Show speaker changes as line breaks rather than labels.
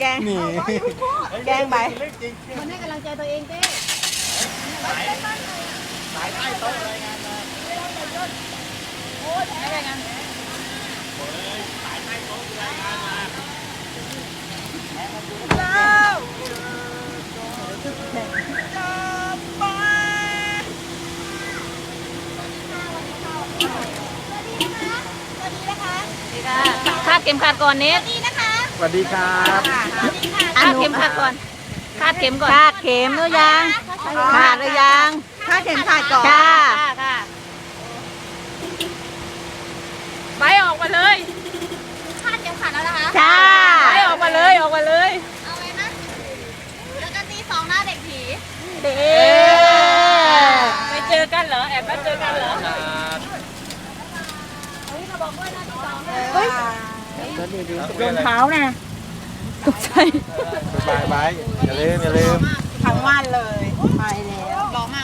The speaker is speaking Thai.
แกล้ง
นี่
แกล้งไป
มันให้กำลังใจตัวเองเต้
สายใต้โต๊ะรายงานมา
ไม่ได้กัน
สายใต้โต๊ะรายงานมา
คาดเข็มขัดก่อนเนส
สวัสดีครับ
คาดเข็มขัดก่อนคาดเข็มก่อน
คาดเข็มหรือยังขาดหรือยังคาดเข็มขาดก่อน
ค่ะค่ะไปออกมาเลยคาดเข็มขัดแล้วนะคะ
จ้า
ไปออกมาเลยออกมาเลย
เอาไว้นะแล้วก็ตีสองหน้าเด็กผี
เด้
ไปเจอกันเหรอแอบมาเจอกันเหรอ
รองเท้าน่ะ
ตกใจ
บายบายอย่าลืม
ทั้งวันเลยไปเล